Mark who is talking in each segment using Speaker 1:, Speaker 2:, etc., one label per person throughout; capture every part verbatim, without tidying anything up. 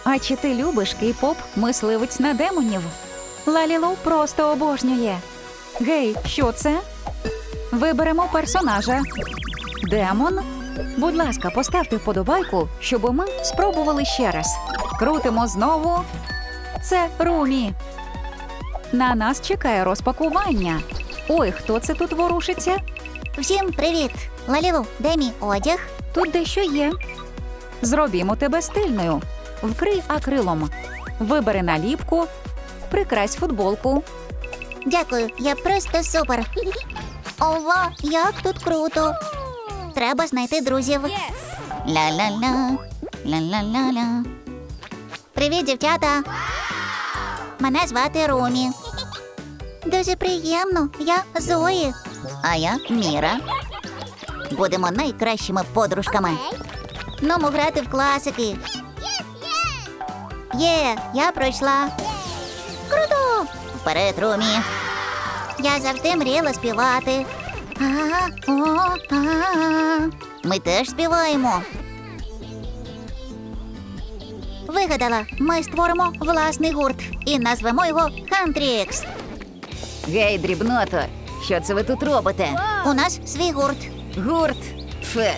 Speaker 1: А чи ти любиш кей-поп «Мисливець на демонів»? Лалілу просто обожнює. Гей, що це? Виберемо персонажа. Демон? Будь ласка, поставте вподобайку, щоб ми спробували ще раз. Крутимо знову. Це Румі. На нас чекає розпакування. Ой, хто це тут ворушиться?
Speaker 2: Всім привіт! Лалілу, де мій одяг?
Speaker 1: Тут дещо є. Зробімо тебе стильною. Вкрий акрилом. Вибери наліпку. Прикрась футболку.
Speaker 2: Дякую, я просто супер. Ова, як тут круто. Треба знайти друзів. Ля-ля-ля, ля-ля-ля-ля. Привіт, дівчата. Мене звати Румі. Дуже приємно, я Зої. А я Міра. Будемо найкращими подружками. Нумо грати в класики. Є, я пройшла. Круто! Вперед, Румі. Я завжди мріяла співати. А, о, а. Ми теж співаємо. Вигадала, ми створимо власний гурт і назвемо його Хантрікс.
Speaker 1: Гей, дрібното, що це ви тут робите?
Speaker 2: У нас свій гурт.
Speaker 1: Гурт. Фе.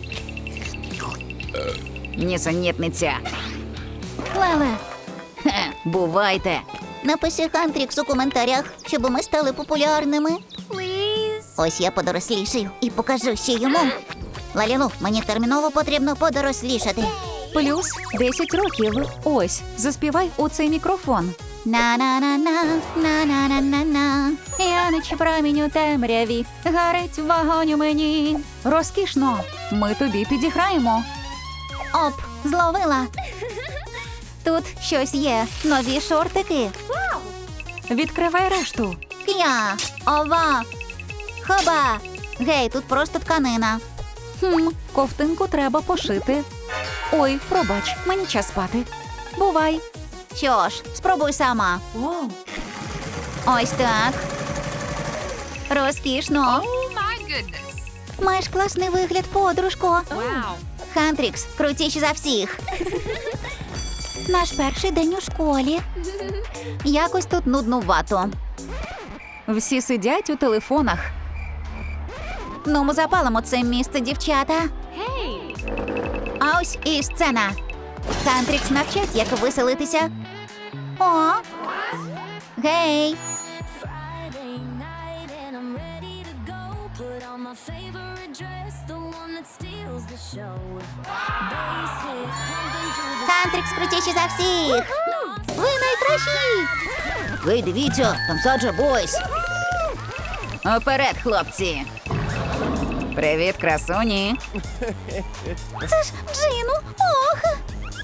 Speaker 1: Нісенітниця.
Speaker 2: Леле,
Speaker 1: Хе, бувайте.
Speaker 2: напиши Хантрікс у коментарях, щоб ми стали популярними. Ось я подорослішаю і покажу ще йому. Лалілу, мені терміново потрібно подорослішати.
Speaker 1: Плюс десять років. Ось, заспівай у цей мікрофон.
Speaker 2: На-на-на-на, на-на-на-на-на.
Speaker 1: Я наче промінь у темряві, гарить вогонь у мені. Розкішно, ми тобі підіграємо.
Speaker 2: Оп, зловила. Тут щось є. Нові шортики.
Speaker 1: Відкривай решту.
Speaker 2: К'я, ова, хоба. Гей, тут просто тканина.
Speaker 1: Хм, ковтинку треба пошити. Ой, пробач, мені час спати. Бувай.
Speaker 2: Що ж, спробуй сама. Ось так. Розкішно.
Speaker 3: Oh my goodness.
Speaker 2: Маєш класний вигляд, подружко.
Speaker 3: Wow.
Speaker 2: Хантрікс, крутіші за всіх. Наш перший день у школі. Якось тут нуднувато.
Speaker 1: Всі сидять у телефонах.
Speaker 2: Ну, ми запалимо це місце, дівчата.
Speaker 3: Hey.
Speaker 2: А ось і сцена. Хантрікс навчать, як веселитися. О! Гей!
Speaker 4: Friday night and I'm ready to go. Put on my favorite dress, the one that steals the show. Bass hits pumping through the
Speaker 2: Хантрікс крутіші за всіх! Ви найкращі!
Speaker 1: Ви дивіться, там Саджа Бойс. Оперед, хлопці. Привіт, красуні.
Speaker 2: Це ж Джину! Ох!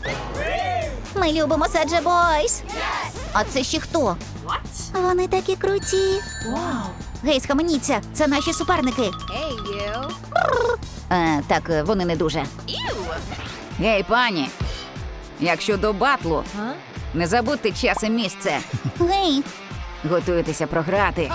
Speaker 2: Ми любимо Саджа Бойс! А це ще хто?
Speaker 3: What?
Speaker 2: Вони такі круті! Гей, схаменіться! Це наші суперники!
Speaker 3: Hey, you.
Speaker 1: Е, так, е, вони не дуже.
Speaker 3: Ew.
Speaker 1: Гей, пані. Якщо до батлу,
Speaker 3: Huh?
Speaker 1: не забудьте час і місце.
Speaker 2: Гей!
Speaker 1: Готуйтеся програти.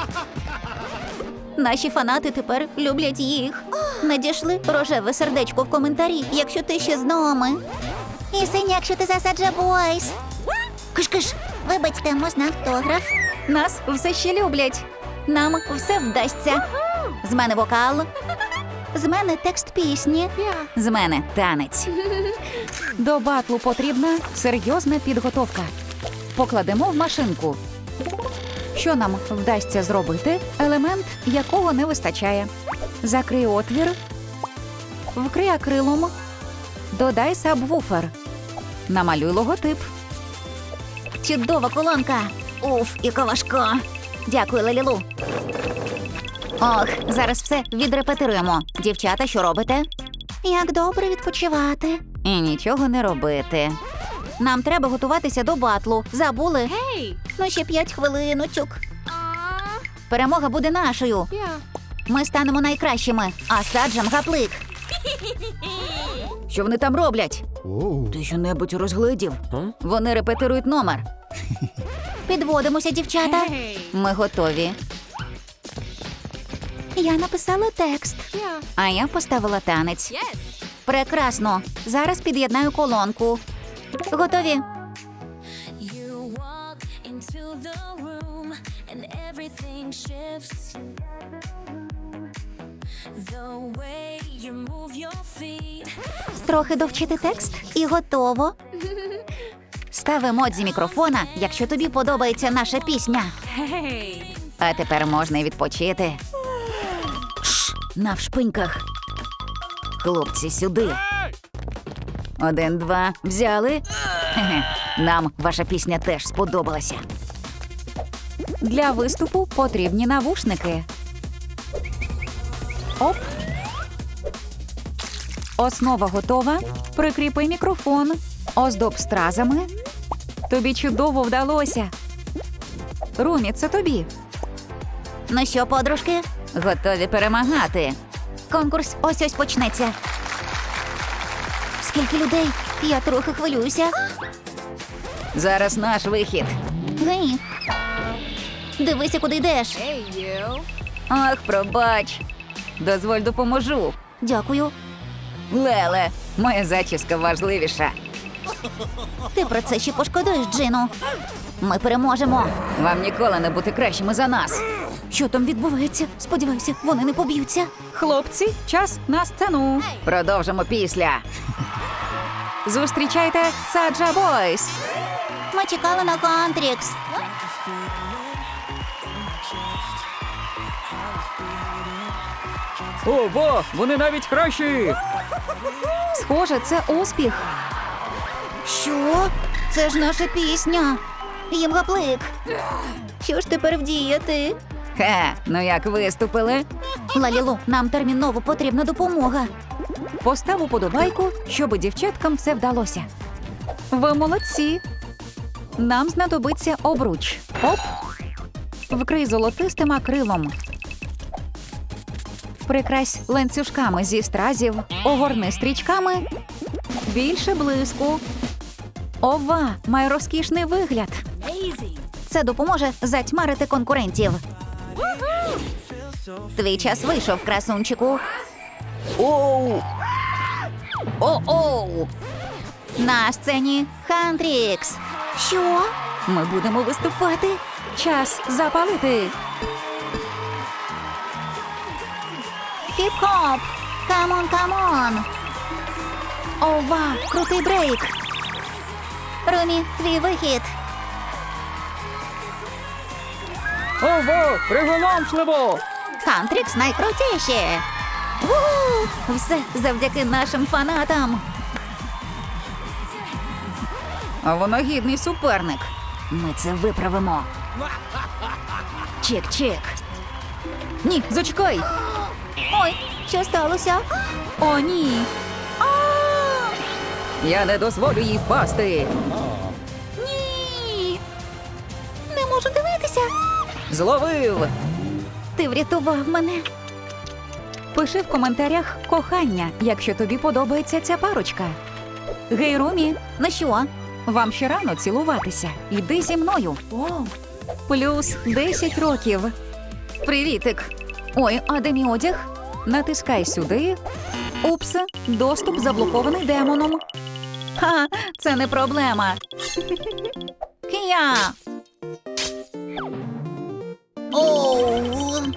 Speaker 2: Наші фанати тепер люблять їх. Надійшли рожеве сердечко в коментарі, якщо ти ще з нами. І синь, якщо ти за Саджа Бойс. Киш-киш, вибачте, можна автограф?
Speaker 1: Нас все ще люблять.
Speaker 2: Нам все вдасться. З мене вокал. З мене текст пісні.
Speaker 1: З мене танець. До батлу потрібна серйозна підготовка. Покладемо в машинку. Що нам вдасться зробити? Елемент, якого не вистачає. Закрий отвір. Вкрий акрилом. Додай сабвуфер. Намалюй логотип.
Speaker 2: Чудова колонка. Уф, яка важка. Дякую, Лалілу. Ох, зараз все відрепетируємо. Дівчата, що робите? Як добре відпочивати.
Speaker 1: І нічого не робити.
Speaker 2: Нам треба готуватися до батлу. Забули?
Speaker 3: Hey.
Speaker 2: Ну, ще п'ять хвилиночок.
Speaker 3: Aw.
Speaker 2: Перемога буде нашою.
Speaker 3: Yeah.
Speaker 2: Ми станемо найкращими, а Саджам гаплик.
Speaker 1: Що вони там роблять? Ти що-небудь розгледів? Вони репетирують номер.
Speaker 2: Підводимося, дівчата.
Speaker 3: Hey.
Speaker 1: Ми готові.
Speaker 2: Я написала текст.
Speaker 3: Yeah.
Speaker 1: А я поставила танець.
Speaker 3: Yes.
Speaker 2: Прекрасно. Зараз під'єднаю колонку. Готові?
Speaker 4: the room and everything shifts. The way you move your feet.
Speaker 2: Трохи довчити текст і готово. Став емодзі мікрофона, якщо тобі подобається наша пісня.
Speaker 3: Hey.
Speaker 1: А тепер можна й відпочити. Шш, навшпиньках. Хлопці, сюди. Один, два, взяли. Хе-хе. Нам ваша пісня теж сподобалася. Для виступу потрібні навушники. Оп. Основа готова. Прикріпи мікрофон. Оздоб стразами. Тобі чудово вдалося. Румі, це тобі.
Speaker 2: Ну що, подружки?
Speaker 1: Готові перемагати.
Speaker 2: Конкурс ось-ось почнеться. Скільки людей? Я трохи хвилююся.
Speaker 1: Зараз наш вихід.
Speaker 2: Гей. Дивися, куди йдеш.
Speaker 3: Hey, you.
Speaker 1: Ах, пробач. Дозволь допоможу.
Speaker 2: Дякую.
Speaker 1: Леле, моя зачіска важливіша.
Speaker 2: Ти про це ще пошкодуєш, Джину. Ми переможемо.
Speaker 1: Вам ніколи не бути кращими за нас.
Speaker 2: Що там відбувається? Сподіваюся, вони не поб'ються.
Speaker 1: Хлопці, час на сцену. Продовжимо після. Зустрічайте Саджа Бойс.
Speaker 2: Ми чекали на Кантрікс.
Speaker 1: Ого, вони навіть кращі. Схоже, це успіх.
Speaker 2: Що? Це ж наша пісня. Їм гаплик. Що ж тепер вдіяти?
Speaker 1: Хе, ну як виступили?
Speaker 2: Лалілу, нам терміново потрібна допомога.
Speaker 1: Постав уподобайку, щоб дівчаткам все вдалося. Ви молодці. Нам знадобиться обруч. Оп. Вкрий золотистим акрилом. Прикрась ланцюжками зі стразів. Огорни стрічками. Більше блиску. Ова, має розкішний вигляд.
Speaker 3: Amazing.
Speaker 2: Це допоможе затьмарити конкурентів. Твій час вийшов, красунчику.
Speaker 1: Оу! О-оу!
Speaker 2: На сцені Хантрікс. Що?
Speaker 1: Ми будемо виступати. Час запалити.
Speaker 2: Хіп-хоп! Камон, камон! Ова, крутий брейк! Румі, твій вихід!
Speaker 1: Ого, приголомшливо!
Speaker 2: Хантрікс найкрутіші! Ву! Все завдяки нашим фанатам!
Speaker 1: А вона гідний суперник. Ми це виправимо. Чек-чек. Ні, зачекай.
Speaker 2: Ой, що сталося?
Speaker 1: О, ні. Я не дозволю їй впасти.
Speaker 2: Ні! Не можу дивитися!
Speaker 1: Зловив.
Speaker 2: Ти врятував мене!
Speaker 1: Пиши в коментарях кохання, якщо тобі подобається ця парочка. Гей, Румі,
Speaker 2: Ну що?
Speaker 1: вам ще рано цілуватися. Іди зі мною. Плюс десять років. Привітик. Ой, а де мій одяг? Натискай сюди. Упс, доступ заблокований демоном. Ха, це не проблема. Кія.
Speaker 2: Оу!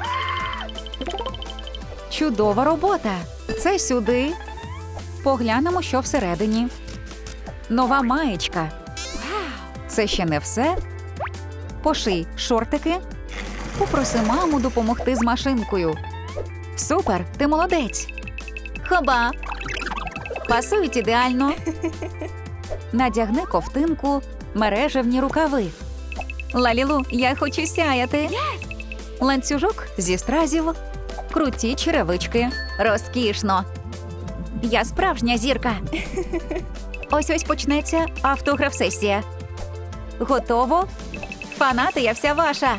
Speaker 1: Чудова робота. Це сюди. Поглянемо, що всередині. Нова маєчка. Це ще не все. Поший шортики. Попроси маму допомогти з машинкою. Супер, ти молодець. Хоба. Пасують ідеально. Надягни ковтинку, мережевні рукави. Лалілу, я хочу сяяти. Ланцюжок зі стразів. Круті черевички. Розкішно. Я справжня зірка. Ось-ось почнеться автограф-сесія. Готово? Фанати, я вся ваша.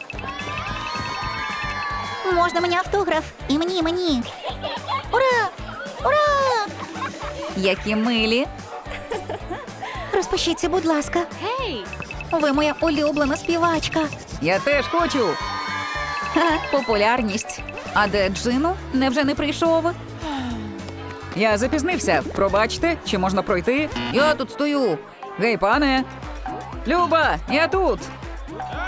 Speaker 2: Можна мені автограф? І мені, і мені. Ура! Ура!
Speaker 1: Які милі.
Speaker 2: Розпишіться, будь ласка.
Speaker 3: Hey.
Speaker 2: Ви моя улюблена співачка.
Speaker 1: Я теж хочу. Ха, популярність. А де Джину? Невже не прийшов? Я запізнився. Пробачте, чи можна пройти? Я тут стою. Гей, пане. Люба, я тут.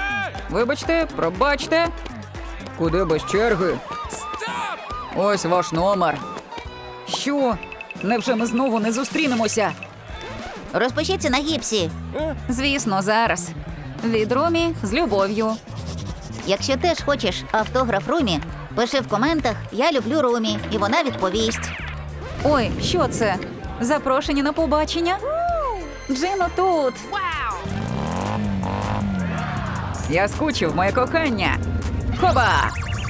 Speaker 1: Вибачте, пробачте. Куди без черги? Ось ваш номер. Що? Невже ми знову не зустрінемося?
Speaker 2: Розпишіться на гіпсі.
Speaker 1: Звісно, зараз. Від Румі з любов'ю.
Speaker 2: Якщо теж хочеш автограф Румі, пиши в коментах «Я люблю Румі» і вона відповість.
Speaker 1: Ой, що це? Запрошення на побачення? Джино тут. Я скучив, моє кохання. Хоба!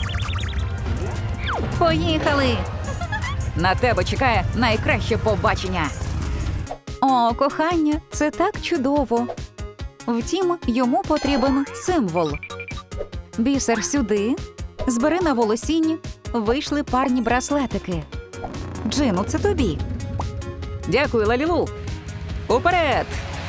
Speaker 1: Поїхали! На тебе чекає найкраще побачення. О, кохання, це так чудово. Втім, йому потрібен символ. Бісер сюди, збери на волосінь, вийшли парні браслетики. Джину, це тобі. Дякую, Лалілу. Уперед!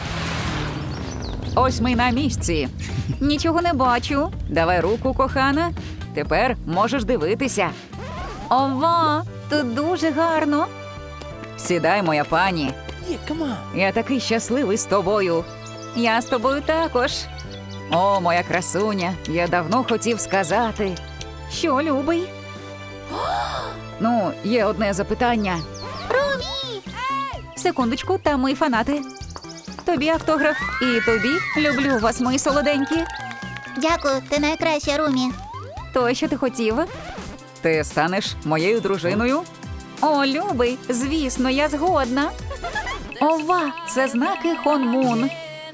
Speaker 1: Ось ми й на місці. Нічого не бачу. Давай руку, кохана. Тепер можеш дивитися. Ова, тут дуже гарно. Сідай, моя пані. Я такий щасливий з тобою. Я з тобою також. О, моя красуня, я давно хотів сказати. Що, любий? Ну, є одне запитання.
Speaker 2: Румі!
Speaker 1: Секундочку, там мої фанати. Тобі автограф і тобі. Люблю вас, мої солоденькі.
Speaker 2: Дякую, ти найкраща, Румі.
Speaker 1: То, що ти хотів? Ти станеш моєю дружиною? О, любий, звісно, я згодна. Ова, це знаки Хонмун.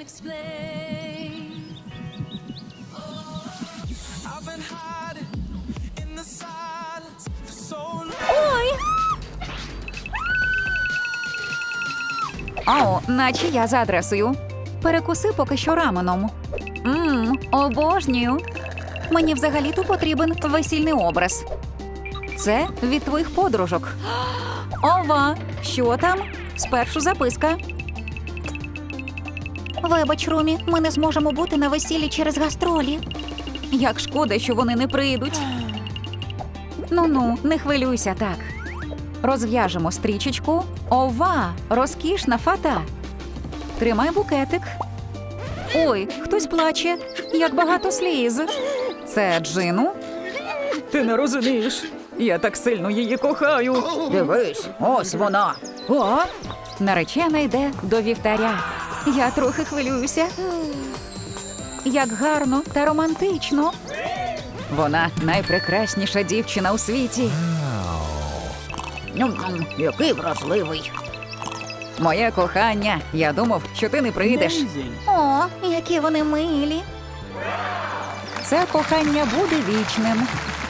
Speaker 1: Ой! О, наче я за адресою. Перекуси поки що раменом. Мм, обожнюю. Мені взагалі-то потрібен весільний образ. Це від твоїх подружок. Ова, що там? Спершу записка.
Speaker 2: Вибач, Румі, ми не зможемо бути на весіллі через гастролі.
Speaker 1: Як шкода, що вони не прийдуть. Ну-ну, не хвилюйся так. Розв'яжемо стрічечку. Ова, розкішна фата. Тримай букетик. Ой, хтось плаче. Як багато сліз. Це Джину? Ти не розумієш. Я так сильно її кохаю. Дивись, ось вона. О, наречена йде до вівтаря. Я трохи хвилююся. Як гарно та романтично. Вона найпрекрасніша дівчина у світі. Ням-ням, який вразливий. Моє кохання, я думав, що ти не прийдеш.
Speaker 2: О, які вони милі.
Speaker 1: Це кохання буде вічним.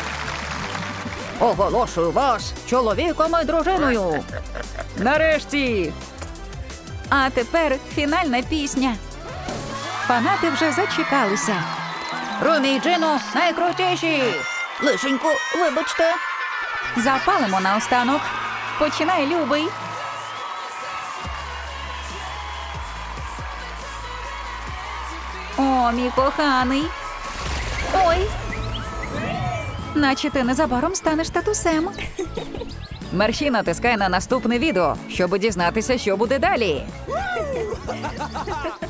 Speaker 1: Оголошую вас чоловіком і дружиною. Нарешті. А тепер фінальна пісня. Фанати вже зачекалися. Румі і Джину найкрутіші.
Speaker 2: Лишенько, вибачте.
Speaker 1: Запалимо наостанок. Починай, любий. О, мій коханий. Ой. Наче ти незабаром станеш татусем. Мерщій натискай на наступне відео, щоб дізнатися, що буде далі.